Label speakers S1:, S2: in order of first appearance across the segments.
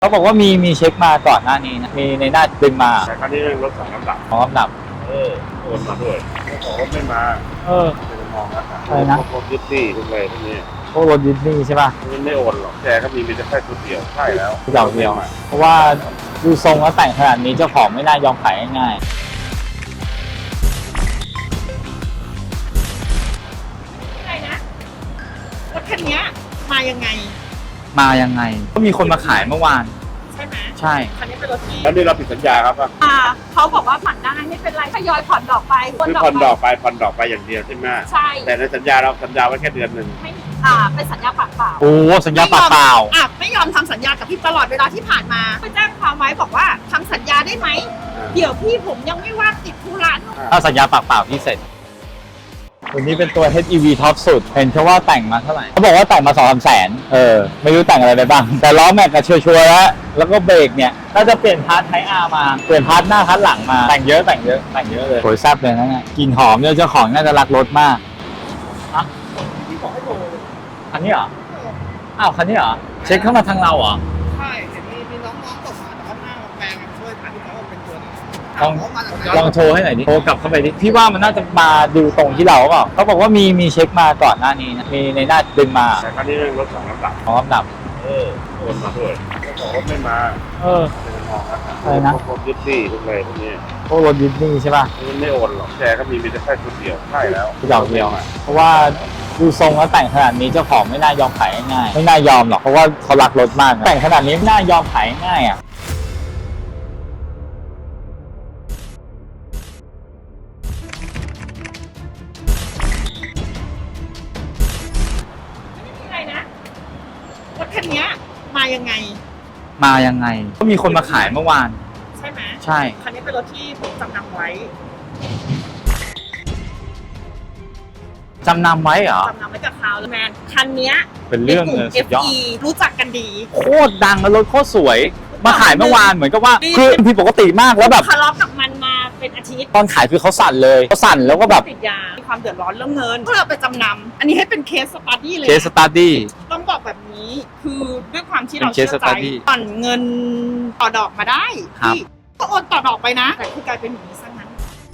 S1: เขาบอกว่ามีเช็คมาก่อนหน้านี้นะมีในหน้าดึงมา
S2: แต่ครั้งนี้เรื่องรถสองลำดับ
S1: ของลำดับ
S2: โอนมาด้วยเขาบอกว่าไม่มาจะมองแล้ว
S1: อะไรนะ
S2: พวกยึดที่พวกอะไรพวกนี้
S1: พวกรถดิสนีย์ใช่ป่ะ
S2: มันไม่โอนหรอกแกก็มีแต่แค่ชุดเดียวใช่แล้ว
S1: เดียวเพราะว่าดูทรงแล้วแต่งขนาดนี้เจ้าของไม่น่ายอมขายง่าย
S3: อะไรนะรถคันนี้มายังไง
S1: ก็มีคนมาขายเมื่อวาน
S3: ใช่ไหม
S1: ใช่
S3: คันนี้เป็นรถที่
S2: แล้วนี่เราผิดสัญญาครับ
S3: เขาบอกว่าผ่อนได้ไม่เป็นไรทยอยผ่อนดอกไป
S2: ผ่อนดอกไปอย่างเดียวใช่ไหม
S3: ใช่
S2: แต่ในสัญญาเราสัญญาไว้แค่เดือนหนึ่ง
S3: ไม่เป็นสัญญาปากเปล่า
S1: โอ้สัญญาปากเปล่า
S3: ไม่ยอมทำสัญญากับพี่ตลอดเวลาที่ผ่านมาไปแจ้งความไว้บอกว่าทำสัญญาได้ไหมเดี๋ยวพี่ผมยังไม่ว่างติดธุระ
S1: ถ้าสัญญาปากเปล่าพี่เสร็จตัวนี้เป็นตัว HEV ท็อปสุดเห็นแค่ว่าแต่งมาเท่าไหร่เขาบอกว่าแต่งมา2-3 แสนไม่รู้แต่งอะไรไปบ้างแต่ล้อแม็กก็ชัวร์แล้วก็เบรกเนี่ยน่าจะเปลี่ยนพาร์ทไทอาร์มาเปลี่ยนพาร์ทหน้าพาร์ทหลังมาแต่งเยอะเลยโหยแซ่บเลยนะเนี่ยกลิ่นหอมเนี่ยเจ้าของน่าจะรักรถมาก
S3: พี่บอกให้โทร
S1: คันนี้เหรออ้าวคันนี้เหรอเช็คเข้ามาทางเราเหรอ
S3: ใช่เห็นมีน้องๆตกมาแต่ว่าหน้าแปลงช่วยผ่านที่เขาเป็นตัว
S1: ลองโชว์ให้หน่อยดิโทรกลับเข้าไปดิพี่ว่ามันน่าจะมาดูตรงที่เราเปล่าเขาบอกว่ามีเช็คมาก่อนหน้านี้นะมีในหน้าดึงมา
S2: แต่ครั้งนี้เรื่องรถสองลำดับ
S1: ของลำดับ
S2: โอนมาด้วยเขาบอกว่าไม่มาจะมองแล้ว
S1: อะไรนะ
S2: พวกยึดที่พวกอะไรพวกนี้
S1: พวกรถดิสนีย์ใช่ป่ะ
S2: มันไม่โอนหรอกแกก็มีแต่แค่ชุดเดียวใช่แล้ว
S1: เดียวเพราะว่าดูทรงแล้วแต่งขนาดนี้เจ้าของไม่น่ายอมขายง่ายไม่น่ายอมหรอกเพราะว่าเขารักรถมากแต่งขนาดนี้ไม่น่ายอมขายง่าย
S3: รถคันนี้มายังไง
S1: ก็มีคนมาขายเมื่อวาน
S3: ใช่ไหม
S1: ใช่
S3: คันนี้เป็นรถที่ผมจำนำไว้
S1: เหรอจำนำไว้
S3: กับเขาแมนคันนี้
S1: เป็นเรื่องสุดยอด
S3: รู้จักกันดี
S1: โคตรดังแล้วรถโคตรสวยมาขายเมื่อวานเหมือนกับว่าคือผิดปกติมากแล้วแบบ
S3: ทะเลาะกับมันมาเป็นอาทิตย์
S1: ตอนขายคือเขาสั่นแล้วก็แบบ
S3: ติดยามีความเดือดร้อนเรื่องเงินก็เลยไปจำนำอันนี้ให้เป็นเคสสตัดดี้เลยต้องบอกแบบนี้คือด้วยความที่เราเชื่อใจผ่อนเงินต่อดอกมาได้ที่ก็โอนต่อดอกไปนะแต่คือกลายเป็นอย่างนี้ซะงั้น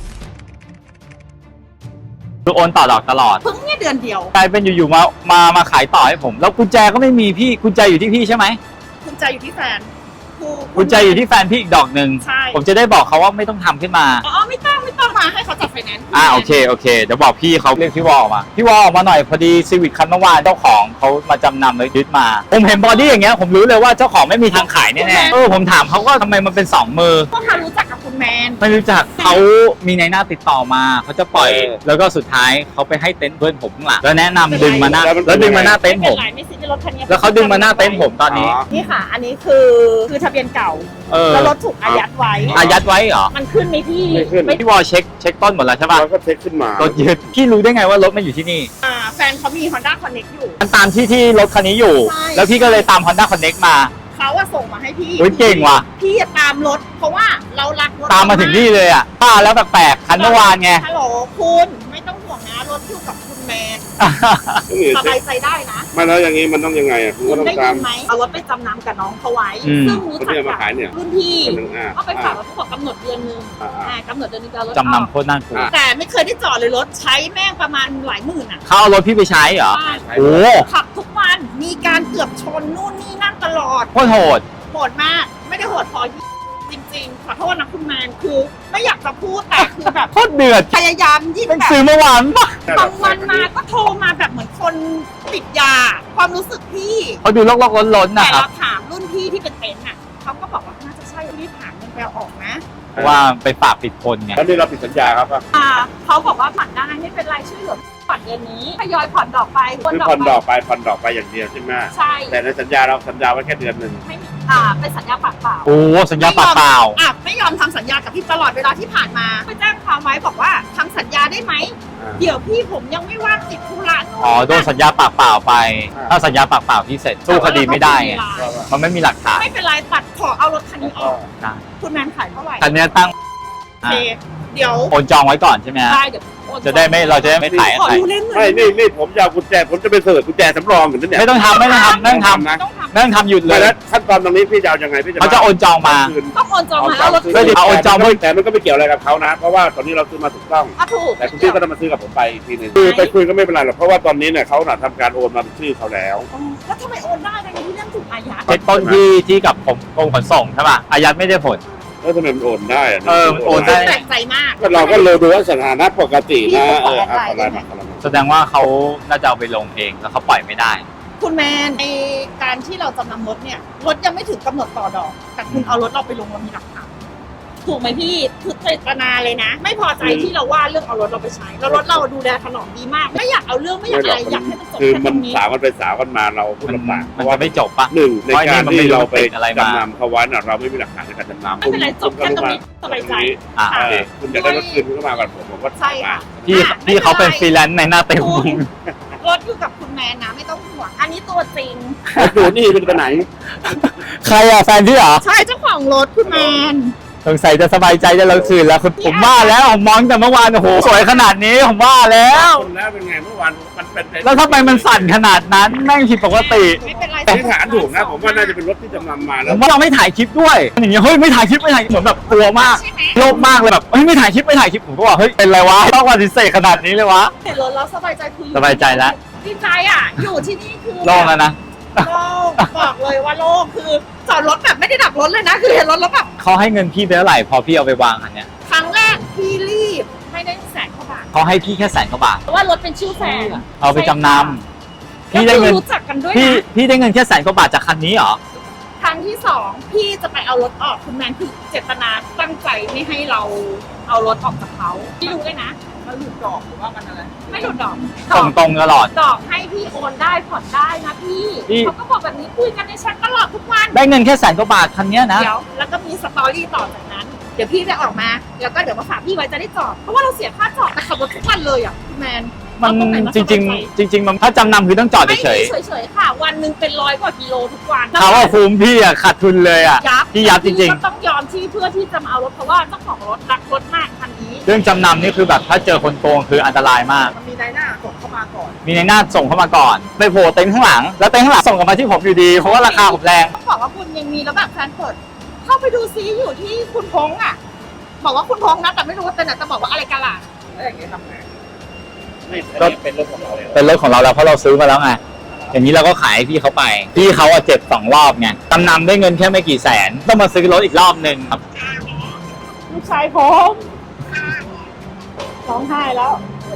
S1: คือโอนต่อดอกตลอด
S3: เพิ่งเนี่ยเดือนเดียว
S1: กลายเป็นอยู่ๆมาขายต่อให้ผมแล้วกุญแจก็ไม่มีพี่กุญแจอยู่ที่พี่ใช่ไหม
S3: กุญแจอยู่ที่แฟน
S1: กุญแจอยู่ที่แฟนพี่อีกดอกหนึ่งผมจะได้บอกเขาว่าไม่ต้องทำขึ้นมา
S3: ไม่ต้องมาให้เขาจัดไฟแนนซ์
S1: โอเคเดี๋ยวบอกพี่เขาเรียกพี่วอลออกมาหน่อยพอดีซีวิคคันเมื่อวานเจ้าของเขามาจำนำเลยยึดมาผมเห็นบอดี้อย่างเงี้ยผมรู้เลยว่าเจ้าของไม่มีทางขายแน่ๆผมถามเขาว่าทำไมมันเป็น2 มือ
S3: ก็เขารู้จักกับคุณแมน
S1: ไม่รู้จักเขามีในหน้าติดต่อมาเขาจะปล่อยแล้วก็สุดท้ายเขาไปให้เต็นท์เพื่อนผมข้างหลังแล้วแนะนำดึงมาหน้าแล้วดึงมาหน้าเต็นท์ผมแล้วเขาดึงมาหน้าเต็นท์ผมตอนนี้
S3: นี่ค่ะอันนี้คือทะเบียนเก่าแล้วรถถูกอายัดไว้
S1: เหรอ
S3: มันขึ้นไหมพี่
S1: พี่วอลเช็คต้นหมดแล้วใช่ป่ะ
S2: แล้วก็เช็คขึ้นมาร
S1: ถยึดพี่รู้ได้ไงว่ารถมันอยู่ที่นี่
S3: แฟนเขามี Honda Connect อยู่
S1: มันตามที่รถคันนี้อยู่แล้วพี่ก็เลยตาม Honda Connect มา
S3: เขาส่งมาให้พี่
S1: เก่งว่ะ
S3: พี่ตามรถเพราะว่าเรารักรถ
S1: ตามมาถึงนี่เลยป้าแล้วแปลกๆคันเมื่อวานไง
S3: ฮัลโหลคุณไม่ต้องห่วงนะรถอยู่กับคุณแมนสบายใจได้นะ
S2: ไม่แล้วอย่างนี้มันต้องยังไงคุณก็ต้องตาม
S3: เอารถไปจำนำกับน้องเขาไว้ซึ่งรู้จักกับรุ่นพี่ก็ไปฝากรถเขาบอกกำหนดเดือนนึงกำหนดเดือนนึงจะรถ
S1: จำนำโคตรน่ากลัว
S3: แต่ไม่เคยได้จอดเลยรถใช้แม่งประมาณหลายหมื่น
S1: เขาเอารถพี่ไปใช้เหรอโอ้
S3: ขับทุกวันมีการเกือบชนนู่นนี่นั่นตลอด
S1: โคตรโหด
S3: มากไม่ได้โหดพอจริงๆขอโทษนะคุณแมนคือไม่อยากจะพูดแต่คือแบบ
S1: โคตรเดือด
S3: พยายามยิ่งแบบ
S1: ซื้อเมื่อวานปะ
S3: บางวันมาก็โทรมาแบบเหมือนคนติดยาความรู้สึกพี่
S1: เขาดูลอกๆล้นๆนะครับ
S3: แต่เราถามรุ่นพี่ที่เป็นเต็นท์เขาก็บอกว่าน่าจะใช่รีบหาเงินไปออกนะ
S1: ว่าไปฝากปิดคนไง
S2: แล้วนี่เราผิดสัญญาครับ
S3: เขาบอกว่าผ่อนได้ไม่เป็นไรช่วยเหลือผ่อนเดือนนี้ทยอยผ่อนดอกไป
S2: ผ่อนดอกไปอย่างเดียวใช่ไหม
S3: ใช่
S2: แต่ในสัญญาเราสัญญาไว้แค่เดือนหนึ่ง
S3: ไม่เป็นสัญญาปากเปล่า
S1: สัญญาปากเปล่า
S3: ไม่ยอมทำสัญญากับพี่ตลอดเวลาที่ผ่านมาไปแจ้งความไว้บอกว่าทำสัญญาได้ไหมเดี๋ยวพี่ผมยังไม่ว่างติดธุระ
S1: โดนสัญญาปากเปล่าไปถ้าสัญญาปากเปล่าพี่เสร็จสู้คดีไม่ได้ไงมันไม่มีหลักฐาน
S3: ไม่เป็นไรตัดขอเอารถคันนี้ออกคุณแมนขายเท่าไหร่
S1: คันนี้ตั้ง
S3: เดี๋ยว
S1: โอนจองไว้ก่อนใช่ไหม
S3: ได้เดี๋ยว
S1: จะได้ไม่เราจะได้ไม่ถ่าย
S3: ขอ
S1: ใคร
S3: ดูเล่นหน่อ
S2: ไม่
S3: ย
S2: นี่ผมจะเอากุญแจผมจะไปเสิร์ชกุญแจสำรองอยู่นั่นเนี่ย
S1: ไม่ต้องทำไม่ต้องทำไม่ต้องท
S2: นะ
S3: ต้องทำ
S1: ำไม่ต้องทำหยุดเล
S2: ไม่
S1: ย
S2: แล้วขั้นตอนตรงนี้พี่จะเอายังไงพี่จะ
S1: เขาจะโอนจองมา
S3: ต้องโอนจองมาแล้วรถ
S1: เพื่อที่เอาโอนจอง
S2: แต่มันก็ไม่เกี่ยวอะไรกับเขานะ เพราะว่าตอนนี้เราซื้อมาถูกต้อง
S3: อ่ะถูก
S2: แต่คุณพี่ก็ต้องมาซื้อกับผมไปอีกทีหนึงคือไปคุยก็ไม่เป็นไรหรอกเพราะว่าตอนนี้เนี่ยเขาทำการโอนมาเป็นชื่อเขาแล้ว
S3: แล้วทำไมโอนได้ในที่เรื่องถูกอายัด
S1: เช็คต้นที่กับผมกรมขนส่งใช่ป่ะอายัดไม่ได้ผล
S2: แล้วทำไมมันโอนได้ะ
S1: เออโอนได้
S3: แปลกใจมาก
S2: ก็เราก็เลยดูว่าสถานะปกตินะ
S3: พี่ก็
S2: ขอ
S3: ขอ
S2: ไล
S3: ได้
S2: น์มาขอไลน์มา
S1: แสดงว่าเขาน่าจะเอาไปลงเองแล้วเขาปล่อยไม่ได้
S3: คุณแมนในการที่เราจำนำรถเนี่ยรถยังไม่ถึงกำหนดต่อดอก แต่คุณเอารถเราไปลงเรามีหลักฐานถูกไหมพี่คือเจตนาเลยนะ ไม่พอใจที่เราว่าเรื่องเอารถเราไปใช้แล้วรถเราดูแลถนอมดีมาก ไม่อยากเอาเรื่องไม่อยากอะไรอยากให้มันจบ
S2: คือ
S3: แค่ต
S2: มั
S3: ร
S2: น
S3: งนี้
S2: สาวกันไปสาวกันมาเราพูดลำบากเพ
S1: มัน
S2: ราะว่า
S1: จะไม่จบปะ
S2: หนึ่งในการที่เราไป
S1: เพราะไอ้นี่มันไม่รู้มันติดอะไรมา
S2: จำนำเขาไว้น่ะเราไม่มีหลักฐานในการจำนำ
S3: ไม่เป็นไรจบแค่ตรงนี้สบายใจ
S1: อ่า
S2: เออคุณอยากได้รถคืนคุณก็มากับผมก็
S3: ใช่ค่ะ
S1: พี่เขาเป็นฟรีแลนซ์ในหน้าเต็ม
S3: คุณรถอยู่กับคุณแมนนะไม่ต้องห่วงอันนี้ตัวจริง
S2: ดูนี่เป็นไปไหน
S1: ใครอ่ะแฟนพี่เหรอ
S3: ใช่เจ้าของรถคุณแมน
S1: สงสัยจะสบายใจจะเราคืนแล้วผมว่าแล้วผมมองแต่เมื่อวานโอ้โหสวยขนาดนี้ผมว่าแล้ว
S2: คนแล้วเป็นไงเมื่อวานมันเป็น
S1: แล้วทำไมมันสั่นขนาดนั้นแม่งผิดปกติ
S3: ไม่เป็นไร
S2: ที่ฐานถูกนะผมว่าน่าจะเป็นรถที่จำนำมา
S1: ผ
S2: แล้ว
S1: มว่าเราไม่ถ่ายคลิปด้วยอย่างเงี้ยเฮ้ยไม่ถ่ายคลิปเหมือนแบบกลัวมาก
S3: ใช่ไหม
S1: โลภมากเลยแบบเฮ้ยไม่ถ่ายคลิปผมก็ว่าเฮ้ยเป็นไรวะต้องปฏิเสธขนาดนี้เลยวะ
S3: เห็นรถแล้วสบายใจคือ
S1: สบายใจแล้ว
S3: ดีใจอ่ะ อยู่ที่นี่คือ
S1: โล่งแล้วนะ
S3: โล่งบอกเลยว่าโล่งคือจอดรถแบบไม่ได้ดับรถเลยนะ คือเห็นรถแล้วแบบ
S1: เขาให้เงินพี่ไปเท่าไหร่พอพี่เอาไปวางอันเนี้ย
S3: ครั้งแรกพี่รีบไม่ได้แสนกว่าบาท
S1: เขาให้พี่แค่100,000 กว่าบาท
S3: เพราะว่ารถเป็นชื่อแฟน
S1: เอาไปจำนำพี่ได้เงิน
S3: ก็คือรู้จักกันด้วย
S1: พี่
S3: นะ
S1: พี่ได้เงินแค่100,000 กว่าบาทจากคันนี้เหรอ
S3: ครั้งที่สองพี่จะไปเอารถออกคุณแมนคือเจตนาตั้งใจไม่ให้เราเอารถออกจากเขาพี่รู้ด้วยนะมันหลุดดอกหรือว่ามันอะไรไม่หลุดดอก
S1: ส่งตรงตลอด
S3: ดอกให้พี่โอนได้ผ่อนได้นะพี่
S1: พี่
S3: เขาก็บอกแบบนี้คุยกันในแชทตลอดทุกวัน
S1: ได้เงินแค่100,000 กว่าบาทคันเนี้ยนะ
S3: เดี๋ยวแล้วก็มีสตอรี่ต่อจากนั้น เดี๋ยวพี่จะออกมา แล้วก็เดี๋ยวมาฝากพี่ไว้จะได้จอด เพราะว่าเราเสียค่าจอดแต่ขับรถทุกวันเลยอ่ะพี่แมน
S1: มัน
S3: เอาตรงไหนมา
S1: จริง ๆ จริง ๆ มันถ้าจำนำคือต้องจอด
S3: ไม่
S1: เฉย
S3: มีเฉยๆค่ะ วันหนึ่งเป็น100 กว่ากิโลทุกวัน
S1: ๆเขาว่าคุ้มพี่อะขาดทุนเลยอะ
S3: ยับ
S1: พี่ยับจริงๆ
S3: ก็ต้องยอมที่เพื่อที่จะมาเอารถเพราะว่าเจ้าของรถรักรถมากคันนี้
S1: เรื่องจำนำนี่คือแบบถ้าเจอคนโกงคืออันตรายมาก
S3: มันมีนายหน้าส่งเข้ามาก่อน
S1: มีในหน้าส่งเข้ามาก่อน ไปโผล่เต็นท์ข้างหลัง แล้วเต็นท์ข้างหลังส่งกลับมาที่ผมอยู่ดี เพราะว่าราคาผมแรง
S3: ต้องบอกว่าคุณยังมีแล้วแบบแฟนเปิดเข้าไปดูซิอยู่ที่คุณพงษ์อ่ะ บอกว่าคุณพงษ์นะแต่ไม่รู้ว่าเป็นไหนแต่บอกว่าอะไรกันล่ะแล้วอย่างเงี้ยทำไง
S2: ไม่อันนี้เป็นรถของเราเลย
S1: เป็นรถของเราแล้วเพราะเราซื้อมาแล้วไง อย่างนี้เราก็ขายให้พี่เขาไป พี่เขาอะเจ็บ2 รอบไงจำนำได้เงินแค่ไม่กี่แสน ต้องมาซื้อรถอีกรอบหนึ่งครับ
S3: ลูกชายผมร้องไห้แล้ว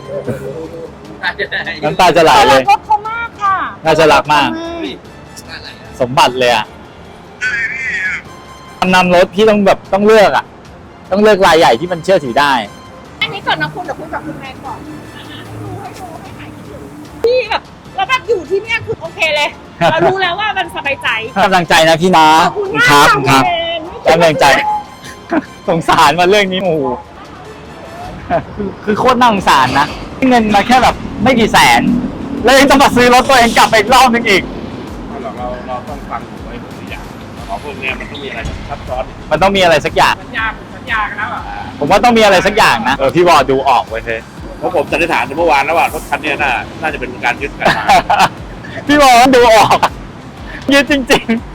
S1: น้ำตาจะไหลเลย
S3: รถเขามากค่ะ
S1: น่าจะรักมาก สมบัติเลยอะจำนำรถพี่ต้องแบบต้องเลือกอะต้องเลือกรายใหญ่ที่มันเชื่อถือได้
S3: อันนี้ก่อนนะคุณเดี๋ยวคุยกับคุณแม่ก่อนให้ดูให้หายคิดถึงพี่แบบแล้วแบบอยู่ที่เนี่ยคือโอเคเลย เรารู้แล้วว่ามันสบายใจ
S1: กำลังใจนะพี่นะ
S3: ขอบคุณมาก
S1: ครับ
S3: ค่ะ
S1: ครับ
S3: คุณ
S1: กำลังใจ สงสารมาเรื่องนี้โอ้โหคือโคตรน่าสงสารนะเงินมาแค่แบบไม่กี่แสน แล้วยังต้องมาซื้อรถตัวเองกลับไปอีกรอบนึงอีก
S2: เราต้องฟังไว้ทุกอย่างของพวกเนี้ยมันต้องมีอะไรซับซ้อน
S1: มันต้องมีอะไรสักอย่าง
S2: สัญญากันแล้วอ่ะ
S1: ผมว่าต้องมีอะไรสักอย่างนะพี่วอดูออกไว้เถอะ
S2: เพราะผมสันนิษฐานเมื่อวานแล้วว่ารถคันเนี้ยน่าจะเป็นการยึดกันมา
S1: พี่วอดูออกยึดจริง ๆ